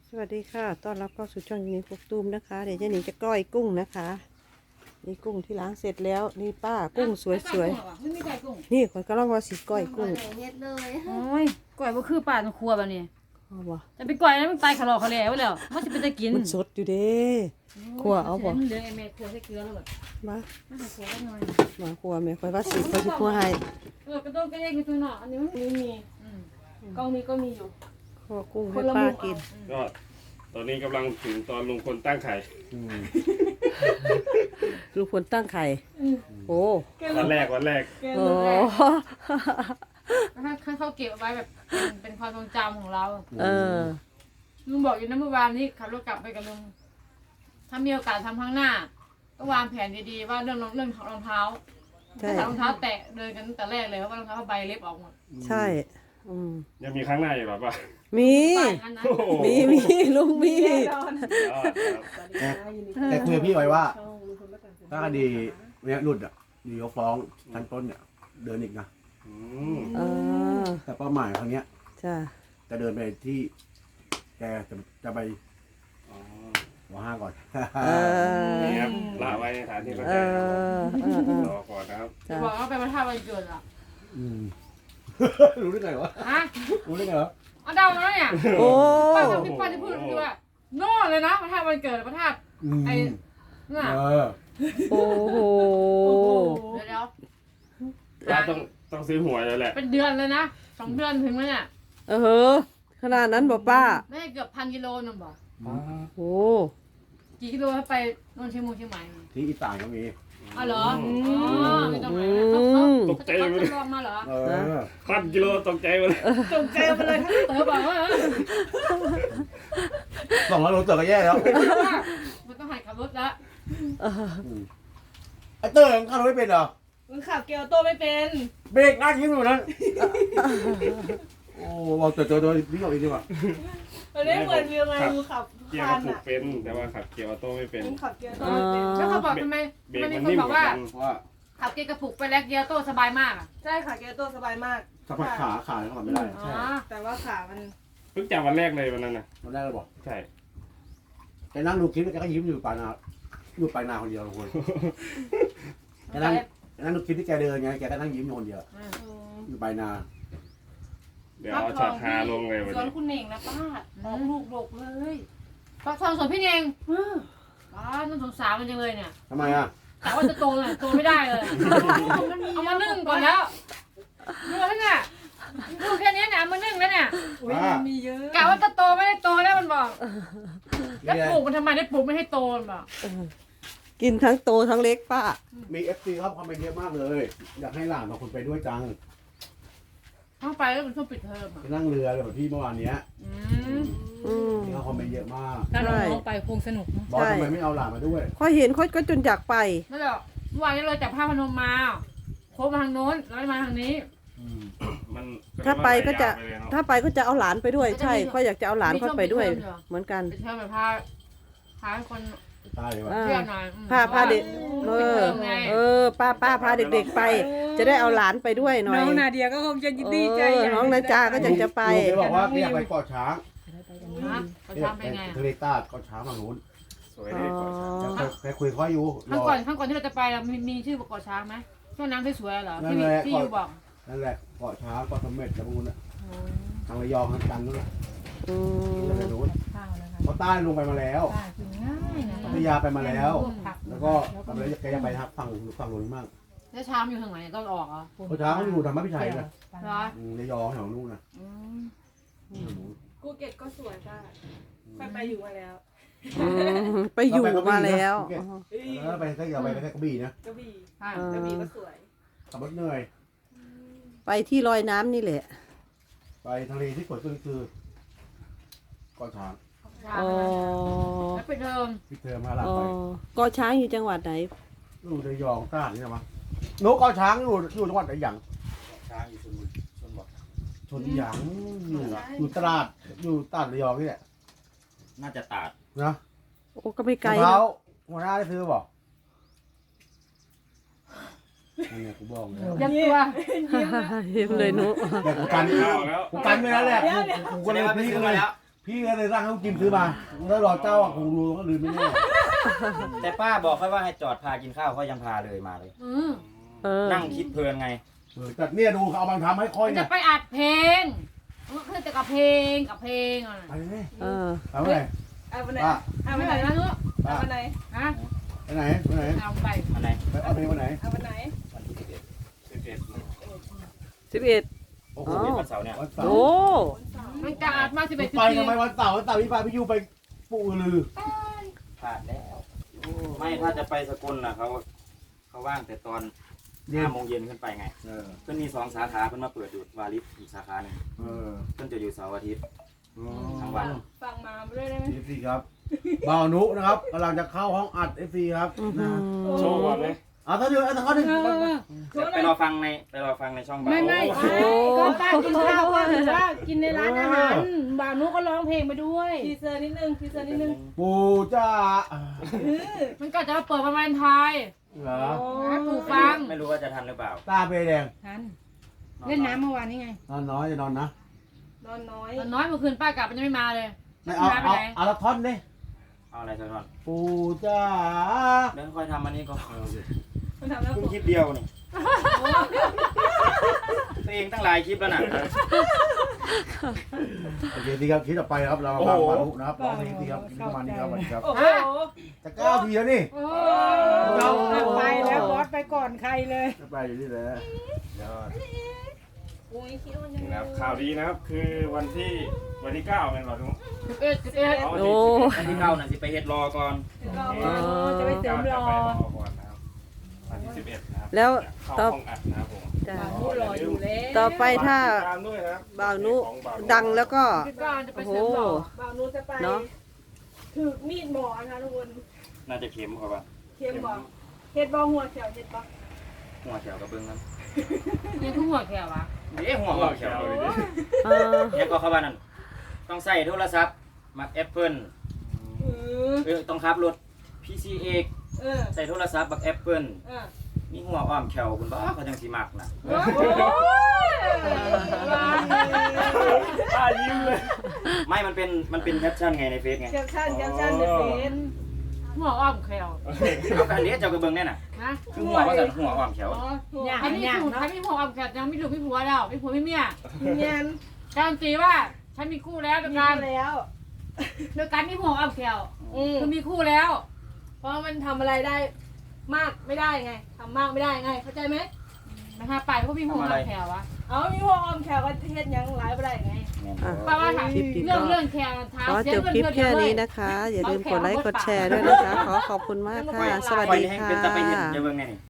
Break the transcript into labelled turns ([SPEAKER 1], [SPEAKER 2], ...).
[SPEAKER 1] สวัสดีค่ะต้อนรับเข้าสู่ช่องนี้พกตูมนะคะเดี๋ยวเจะหนีจะก้อยกุ้งนะคะนี่กุ้งที่ล้างเสร็จแล้วนี่ป้ากุ้งสวย
[SPEAKER 2] ไม่มีไก่กุ้ง
[SPEAKER 1] ๆนี่คนก็ลองว่าสีก้อยกุ้ง
[SPEAKER 3] เฮ็ดเลย
[SPEAKER 2] โอ้ยก่อยบ่คือป่าในครัวแบบนี้
[SPEAKER 1] เอาบ่
[SPEAKER 2] จะไปก่อยแล้วมันตายขะลอกขะแหล่ไว้แล้วมันจะเป็นตะกิน
[SPEAKER 1] มันสดอยู่เด้ขัวเอาบ่
[SPEAKER 2] เดี๋ยวไอ้แม่ครัวใส่เกลือแล้วแบบ
[SPEAKER 1] มา
[SPEAKER 2] มาใส่ครัวแล้วหน่อย
[SPEAKER 1] มาขัวแม่คอยว่าสีคอยสิขัวให้
[SPEAKER 2] กระโดดกระเด้งอยู่ตัวหน่ออันนี้มัน
[SPEAKER 3] มีกล้องนี้ก็มีอยู่
[SPEAKER 1] ขัวกุ้งให้ป้ากิน
[SPEAKER 4] ก็ตอนนี้กำลังถึงตอนลุงพลตั้งไข่
[SPEAKER 1] ลูกพลตั้งไข่โอ้
[SPEAKER 4] วันแรก
[SPEAKER 1] โอ้
[SPEAKER 2] ถ้าเขาเก็บเอาไว้แบบเป็นความทรงจำของเรา
[SPEAKER 1] เออ
[SPEAKER 2] ลุงบอกอยู่นะเมื่อวานนี้ขับรถกลับไปกับลุงถ้ามีโอกาสทำข้างหน้าต้องวางแผนดีๆว่าเรื่องของรองเท้า
[SPEAKER 1] ใช่
[SPEAKER 2] ถ้ารองเท้าแตะเดินกันตั้งแต่แรกเลยเพราะว่ารองเท้าใบเล็บออกหมด
[SPEAKER 1] ใช่
[SPEAKER 4] ยังมีครั้งหน้าอยู่หรอป่ะ
[SPEAKER 1] มี
[SPEAKER 2] ไปงั้นนะ
[SPEAKER 4] โอ้โห
[SPEAKER 1] มีลุงมี
[SPEAKER 4] ยอดครับ
[SPEAKER 5] แต่คุยกับพี่ไว้ว่าถ้าคดีเนี้ยหลุดอ่ะดีเขาฟ้องชั้นต้นเนี่ยเดินอีกนะ
[SPEAKER 4] อืม
[SPEAKER 1] เออ
[SPEAKER 5] แต่เป้าหมายครั้งเนี้ย
[SPEAKER 1] จ้ะ
[SPEAKER 5] จะเดินไปที่แกจะไป
[SPEAKER 4] อ๋อ
[SPEAKER 5] หัวห้าก่อน
[SPEAKER 1] เออ
[SPEAKER 4] นี่ครับละไว้ในฐานที่เข้า
[SPEAKER 1] เอ
[SPEAKER 4] ใจ
[SPEAKER 1] อ
[SPEAKER 4] รอก่อนนะครับ
[SPEAKER 2] จะบอกว่าไปพระธาตุวันเกิดอ่ะ
[SPEAKER 5] อืม รู้ได้ไงวะ
[SPEAKER 2] ฮะ
[SPEAKER 5] รู้ได้ไงวะ
[SPEAKER 2] เอาเดามาแล้วเนี่ย
[SPEAKER 1] โอ้
[SPEAKER 2] ป้าทำพี่ป้าจะพูดคือว่าโน่เลยนะพระธาตุวันเกิดพระธาตุ
[SPEAKER 5] อืม
[SPEAKER 2] ไอ้น่ะ
[SPEAKER 5] เออ
[SPEAKER 1] โอ้โห
[SPEAKER 2] เดี๋ยว
[SPEAKER 4] ป้าต้องซื้อหวยแล้วแหละ
[SPEAKER 2] เป็นเดือนเลยนะ2 เดือนถึงแล้วเนี่ย
[SPEAKER 1] เออขนาดนั้นบอกป้า
[SPEAKER 2] ไม่ได้เกือบ1,000 กิโลนึงบอก
[SPEAKER 1] โอ้
[SPEAKER 2] กี่กิโลถ้าไปโน่นเชียงใหม่
[SPEAKER 5] ที่อีสานก็มี
[SPEAKER 2] อ๋อเหรออ๋อไม่ต้องไปนะเขาจะลองมาเหรอ
[SPEAKER 5] เออ
[SPEAKER 4] 1,000 กิโลตกใจหมดเลย
[SPEAKER 2] จงใจไปเลยเต๋อบอกว่า
[SPEAKER 5] 200 โลเตอร์ก็แย่แล้ว
[SPEAKER 2] มันต้องหัดขับรถแล้ว
[SPEAKER 5] ไอ้เตอร์ยังขับรถไม่เป็นเหรอ
[SPEAKER 3] มึงขับเกียวโตไม่เป็น
[SPEAKER 5] เบรกนั่งยิ้มอยู่นั้นโอ้บอกตัวพี่บอกอีกดีกว่า
[SPEAKER 3] มันไม่เหมือนวิวไงมึงขับ
[SPEAKER 4] เกียร์
[SPEAKER 3] คั
[SPEAKER 4] ก็
[SPEAKER 3] น
[SPEAKER 4] ผูก
[SPEAKER 3] อ่ะ
[SPEAKER 4] เป็นแต่ว่าขับเกียร์ออโต้ไม่เป็น
[SPEAKER 3] มึงขับเกียวโตไม่เป็น
[SPEAKER 2] แล้วเขาบอกทำไม
[SPEAKER 4] เบรก
[SPEAKER 2] มี
[SPEAKER 4] มัน
[SPEAKER 2] คน
[SPEAKER 4] นิ่ม
[SPEAKER 2] บอก
[SPEAKER 4] กว่า
[SPEAKER 2] ว่า
[SPEAKER 4] กัน
[SPEAKER 5] ว่า
[SPEAKER 2] ขับเกียร์กระปุกไปแล้วเกียร์โต้สบายมากอ่ะ
[SPEAKER 3] ใช่ค่ะเกียวโตสบายมาก
[SPEAKER 5] สัมผัสขาเขาขับไม่ได้
[SPEAKER 2] อ๋อ
[SPEAKER 5] ใช่
[SPEAKER 3] แต่ว่าขามัน
[SPEAKER 4] เพิ่งจับวันแรกเลยวันนั้นนะ
[SPEAKER 5] ตอนแรกเราบอก
[SPEAKER 4] ใช่
[SPEAKER 5] แกนั่งดูคลิปแล้วแกก็ยิ้มอยู่ปลายนาคนเดียวทุกคนแกนั่งดูคลิปที่แกเดินไงแกก็นั่งยิ้มอยู่คนเดียวอยู่ปลายนา
[SPEAKER 4] เดี๋ยวเอาช็อตฮาลงเลยวัน
[SPEAKER 3] สวน
[SPEAKER 4] นี้
[SPEAKER 3] คุณเน่งนะป้าออกลูกดกเลย
[SPEAKER 2] ฟักทองสวนพี่เองน่าสงสารมันจังเลยเนี่ย
[SPEAKER 5] ทำไมอ่ะ
[SPEAKER 2] แต่ว่าจะโตเลยโตไม่ได้เลยเอามานึ่งก่อนแล้วดูแล้วเนี่ยดูแค่นี้เนี่ยเอามานึ่งแล้วเนี่ย
[SPEAKER 3] อุ้ยมันมีเยอะ
[SPEAKER 2] กะว่าจะโตไม่ได้โตแล้วมันบอกแล้ว
[SPEAKER 5] นี่ไง
[SPEAKER 2] ปลูกมันทำไมได้ปลูกไม่ให้โตมันบอก
[SPEAKER 1] กินทั้งโตทั้งเล็กป้า
[SPEAKER 5] มีFC ครับคอมเมนต์เยอะมากเลย อยากให้หลานบางคนไปด้วยจัง
[SPEAKER 2] เข้าไปแล้วมันช่วงปิดเทอมอ่ะ
[SPEAKER 5] ไปนั่งเรือแบบพี่เมื่อวานเนี้ย ที่เขาคอมเมนต์เยอะมาก
[SPEAKER 2] ถ้าน้องๆไปคงสนุก
[SPEAKER 5] บอกทำไมไม่เอาหลานมาด้วย
[SPEAKER 1] ค่อยเห็นค่อยก็จนอยากไป
[SPEAKER 2] ไม่หรอกเมื่อวานนี้เราจับผ้าพนมมาโค้งมาทางโน้นแล้วมาทางนี้
[SPEAKER 4] มัน
[SPEAKER 1] ถ้าไปก็จะ
[SPEAKER 4] มันใส่ยาวไปเลยเนอะ
[SPEAKER 1] ถ้าไปก็จะเอาหลานไปด้วย ใช่ค่อยอยากจะเอาหลานค่อยไปด้วย เหมือนกัน
[SPEAKER 2] ปิดเทอมแบบพาคน
[SPEAKER 5] ตายเลยว่ะ
[SPEAKER 1] อ่า
[SPEAKER 2] เที่ยวหน่อย
[SPEAKER 1] พาเด็ก
[SPEAKER 2] ปิดเทอมไง
[SPEAKER 1] ป้าพาเด็กๆไป จะได้เอาหลานไปด้วยหน่อย
[SPEAKER 3] น้องนาเดียก็คงจะดีใจ
[SPEAKER 1] น้องนาจาก็จะไป
[SPEAKER 5] ลุงแกบอกว่าแกอยากไปเกาะช้าง
[SPEAKER 2] ฮะเขาทำเป็นไง
[SPEAKER 5] ทะเลใต้เกาะช้างฝั่งนู้น
[SPEAKER 4] สวยดีกว่าฉัน
[SPEAKER 5] แกคุยเขาอยู่
[SPEAKER 2] ข้างก่อนที่เราจะไปเรามีชื่อประกอบช้างไหมช่วงน้ำสวยๆเหรอที่อยู่บอก
[SPEAKER 5] นั่นแหละเกาะช้างเกาะเสม็ดแล้วพวกนู้นน่ะทางระยองทางจันทร์นู้นน่ะ
[SPEAKER 1] อืม
[SPEAKER 5] ทางนู้นเพราะใต้ลงไปมาแล้ว
[SPEAKER 2] ง่ายนะ
[SPEAKER 5] พัทยาไปมาแล้ว แล้วก็กำลังแกจะไปทางฝั่งนู้นมั่ง
[SPEAKER 2] แล้วช้างอยู่ทางไหนต้นออกเหรอ
[SPEAKER 5] เพราะช้างเขาอยู่ธรรมพิชัยนะ
[SPEAKER 2] เหรอ
[SPEAKER 5] ระยองแถวนู้นนะ
[SPEAKER 3] กูเก็ตก็สวยป้าค่อยไปอยู่มาแล้ว
[SPEAKER 1] ไปอยู่มาแล้ว
[SPEAKER 5] แล้วไปก็อย่าไปแค่กระบี่นะ
[SPEAKER 3] กระบี่
[SPEAKER 2] ใช่
[SPEAKER 3] กระบี่ก็สวย
[SPEAKER 5] ขับรถเหนื่อย
[SPEAKER 1] ไปที่ลอยน้ำนี่แหละ
[SPEAKER 5] ไปทะเลที่สวยสุดคือเกาะช้าง
[SPEAKER 2] ช้าง
[SPEAKER 1] อ๋อ
[SPEAKER 2] แล้วปิดเทอม
[SPEAKER 5] ที่เธอมาหลับ
[SPEAKER 1] อ๋อ
[SPEAKER 5] ไป
[SPEAKER 1] เกาะช้างอยู่จังหวัดไหน
[SPEAKER 5] อยู่ระยองตราดนี่ใช่ไหมนกเกาะช้างอยู่จังหวัดไหนหยัง
[SPEAKER 6] ช้างอยู่ชนบท
[SPEAKER 5] ชนหยางอยู่ตราดอยู่ตราดระยองนี่แหละ
[SPEAKER 6] น่าจะตาด
[SPEAKER 5] นะ
[SPEAKER 1] โอ้ก็ไม่ไกล
[SPEAKER 5] มะพร้าวหัวหน้าได้ซื้อบอกนั่นไงกูบอกแล้ว
[SPEAKER 2] ยักตัว
[SPEAKER 1] เห็นเลยนุ
[SPEAKER 5] แต่กูกัน
[SPEAKER 4] เข้าแล้ว
[SPEAKER 5] กูกันไปแล้วแหละกูก็เลยพี่ก็เลยพี่ก็เลยสั่งให้ลุงจิมซื้อมาแล้วรอเจ้าคงรู้ก็ลืมไม่แน่
[SPEAKER 6] แต่ป้าบอกแค่ว่าให้จอดพากินข้าวเขายังพาเลยมาเลย
[SPEAKER 1] เออ
[SPEAKER 6] นั่งคิดเพลินไง
[SPEAKER 5] แต่เนี่ยดูเขาเอาบางทำให้ค่อย
[SPEAKER 2] มัน
[SPEAKER 5] เนี่
[SPEAKER 2] จะ
[SPEAKER 5] ย
[SPEAKER 2] ไปอัดเพลงมันคือแต่กับเพลงอ่ะ
[SPEAKER 5] ไปเลย
[SPEAKER 1] เออ
[SPEAKER 5] ไปไหน
[SPEAKER 3] เอาวันไหน
[SPEAKER 5] ป้า
[SPEAKER 3] เอา
[SPEAKER 2] ไม่
[SPEAKER 3] วัน
[SPEAKER 2] ไห
[SPEAKER 3] ไห
[SPEAKER 2] น
[SPEAKER 3] น
[SPEAKER 2] นะลูก
[SPEAKER 3] เอาวันไหน
[SPEAKER 2] ฮะ
[SPEAKER 5] ไปไหนไปไหน
[SPEAKER 2] เอาไป
[SPEAKER 6] อันไหน
[SPEAKER 5] ไปเอาเพลงวันไหน
[SPEAKER 3] เอาวันไหน
[SPEAKER 6] วันที่11
[SPEAKER 4] 11
[SPEAKER 1] 11
[SPEAKER 5] โอ้
[SPEAKER 6] โอ้
[SPEAKER 5] โห
[SPEAKER 6] โหวันเสาร์เนี่ย
[SPEAKER 5] วันเสา
[SPEAKER 1] โอ้
[SPEAKER 5] ร์
[SPEAKER 2] มันจะอัดมา11
[SPEAKER 5] ไปทำไมวันเสาร์พี่ไปพี่ยูไปปู่ลือ
[SPEAKER 6] พลาดแล้ว ไม่ถ้าจะไปสกลน่ะเขาว่างแต่ตอน
[SPEAKER 5] เย็น
[SPEAKER 6] 5 โมงเย็นขึ้นไปไง
[SPEAKER 5] เออ
[SPEAKER 6] เพิ่นมี2 สาขาเพิ่นมาเปิดอยู่วาริสอีกสาขาหนึ่ง
[SPEAKER 5] เออ
[SPEAKER 6] เพิ่นจะอยู่เสาร์อาทิตย์ ทั้
[SPEAKER 5] ทั้
[SPEAKER 6] งวัน
[SPEAKER 3] ฟังมาด้วยได้ไหม
[SPEAKER 5] เอฟซีครับบ่าวนุนะครับกำลังจะเข้าห้องอัดเอฟซีครับ
[SPEAKER 1] อื้อหื
[SPEAKER 5] นะ
[SPEAKER 1] อ
[SPEAKER 4] โชว์ก่อนเลย
[SPEAKER 5] เอาถ้าเดือดถ้าเขาดึง
[SPEAKER 6] ไปรอฟังในช่องบ่าว
[SPEAKER 2] ไม่
[SPEAKER 6] โอ้
[SPEAKER 2] ก็ป้ากินข้าวก็หรือว่ากินในร้านอาหารบ่าวนุก็ร้องเพลงไปด้วย
[SPEAKER 3] ทีเซอร์นิดนึงทีเซอร์นิดนึง
[SPEAKER 5] ปู่จ้า
[SPEAKER 2] มันก็จะมาเปิดประมาณไทย
[SPEAKER 5] เหรอ
[SPEAKER 2] ให้ปู่ฟัง
[SPEAKER 6] ไม่รู้ว่าจะทันหรือเปล่า
[SPEAKER 5] ตาเปแดง
[SPEAKER 2] ทันเล่นน้ำเมื่อวานนี้ไง
[SPEAKER 5] นอนน้อยจะนอนนะ
[SPEAKER 3] นอนน้อย
[SPEAKER 2] ตอนน้อยเมื่อคืนป้ากลับมันยังไม่มาเลย
[SPEAKER 5] ไม่เอา
[SPEAKER 2] ไป
[SPEAKER 5] เอา
[SPEAKER 2] ไหน
[SPEAKER 5] เอาละท่อนดิ
[SPEAKER 6] เอาอะไรสักหน่อย
[SPEAKER 5] ปู่จ้า
[SPEAKER 6] เดี๋ยวค่อยทำอันนี้ก่อน
[SPEAKER 3] มันทำแล้ว
[SPEAKER 6] เพิ่งคลิปเดียวนี่ตัวเองตั้งหลายคลิปแล้วน่ะ
[SPEAKER 5] โอเคดีครับคลิปต่อไปครับเราฟังบ่าวนุนะครับร้องเพลงดีครับคลิปประมาณนี้ครับสวัสดีครับ
[SPEAKER 3] โอ้โห
[SPEAKER 5] จะ9 ทีแล้วนี่
[SPEAKER 2] โอ้
[SPEAKER 5] ไปแล้ว
[SPEAKER 2] บอสไปก่อนใครเลย
[SPEAKER 5] จะไปอยู่นี่แหละ
[SPEAKER 4] ยอด
[SPEAKER 3] อุ้ยคิดว่ายัง
[SPEAKER 4] นี่
[SPEAKER 3] ไง
[SPEAKER 4] นะครับข่าวดีนะครับ คือวันที่9เป็นวันทุก
[SPEAKER 2] 11
[SPEAKER 4] เอา
[SPEAKER 1] โอ้
[SPEAKER 6] อันที่เข้าน่ะสิไปเฮ็ดรอก่อน
[SPEAKER 3] รอ
[SPEAKER 2] จะไปเสริมรอ
[SPEAKER 4] ก่อนนะครับวันที่11นะครับ
[SPEAKER 1] แล้ว
[SPEAKER 4] เข้า
[SPEAKER 1] ต่อ
[SPEAKER 4] ห้องอัดนะครับผม
[SPEAKER 1] จ้ะ
[SPEAKER 3] พูดรออยู่แล้ว
[SPEAKER 1] ต่อไปถ้า
[SPEAKER 4] ติดตามด้วยนะครับ
[SPEAKER 1] บ่าวนุ
[SPEAKER 4] ของบ่าวนุ
[SPEAKER 1] ดังแล้วก็
[SPEAKER 2] 19จะไป
[SPEAKER 1] โอ้โห
[SPEAKER 2] เสริมรอ
[SPEAKER 3] บ่าวนู้จะไป
[SPEAKER 1] เนาะ
[SPEAKER 3] ถือมีดหมอนะคะทุกคน
[SPEAKER 6] น่าจะเข็มกว่าป่ะ
[SPEAKER 3] เค็มบอกเฮ็ดบอหัวเขียวเฮ็ดบอ
[SPEAKER 6] หัวแถวกับเบิ้งนั้น
[SPEAKER 2] ยังคู่หัวแขวะ
[SPEAKER 6] เอ๊ะหัวแถว
[SPEAKER 1] เออ
[SPEAKER 6] เนี่ยก็เข้าบ้านนั่นต้องใส่โทรศัพท์มักแอปเปิลต้องขับรถ PCX ใส่โทรศัพท์บักแอปเปิลมีหัวอ้อมแขวคุณบ้าเขาจังสีมักนะ
[SPEAKER 3] โอ้ย
[SPEAKER 4] ป้ายิ้มเลย
[SPEAKER 6] ไม่มันเป็นแคปชั่นไงในเฟซไง
[SPEAKER 3] แคปชั่นในเฟซ
[SPEAKER 2] หัวอ้อมแขว
[SPEAKER 6] เอากันเนี้ยเจ้ากระเบื้องแน่น่ะ
[SPEAKER 2] นะ
[SPEAKER 6] คือหัวว่าสั่นหัวอ้อมแขว
[SPEAKER 2] อันนี้ถูกถ้ามีหัวอ้อมแขวยังไม่ถูกไม่ผัวแล้วไม่ผัวไม่เมีย
[SPEAKER 3] เงียน
[SPEAKER 2] การันตีว่าฉันมีคู่แล้วโดย
[SPEAKER 3] มี
[SPEAKER 2] การ
[SPEAKER 3] แล้ว
[SPEAKER 2] โดยการมีหัวอ้อมแขว
[SPEAKER 3] อืม
[SPEAKER 2] คือมีคู่แล้ว
[SPEAKER 3] เพราะมันทำอะไรได้มากไม่ได้ไงทำมากไม่ได้ไง เข้าใจไหม
[SPEAKER 2] นะฮะไปเพราะมีหัวอ้อมแขวอะ
[SPEAKER 3] เอามีหัวออมแขวก็เฮ็ดหยังหลายบ่ได้ไง
[SPEAKER 1] อ่ะ
[SPEAKER 2] ป้าว่าถาม
[SPEAKER 1] คลิปนี้
[SPEAKER 2] เรื่
[SPEAKER 1] ก็
[SPEAKER 2] องแขวถาม
[SPEAKER 1] ขอ
[SPEAKER 2] เสี
[SPEAKER 1] จ
[SPEAKER 2] ย
[SPEAKER 1] บ
[SPEAKER 2] เงิน
[SPEAKER 1] คลิป
[SPEAKER 2] เดือน
[SPEAKER 1] แค่
[SPEAKER 2] เล
[SPEAKER 1] นี้
[SPEAKER 2] ย
[SPEAKER 1] นะคะ อย่าลืมกดไลค์กดแชร์ด้วยนะคะ ขอขอบคุณมากค่ะ สวัสดี
[SPEAKER 6] ให้
[SPEAKER 1] ค่
[SPEAKER 6] เป็นตะไปเห็น
[SPEAKER 1] ะ
[SPEAKER 6] เจ้าเบื้องไงนี่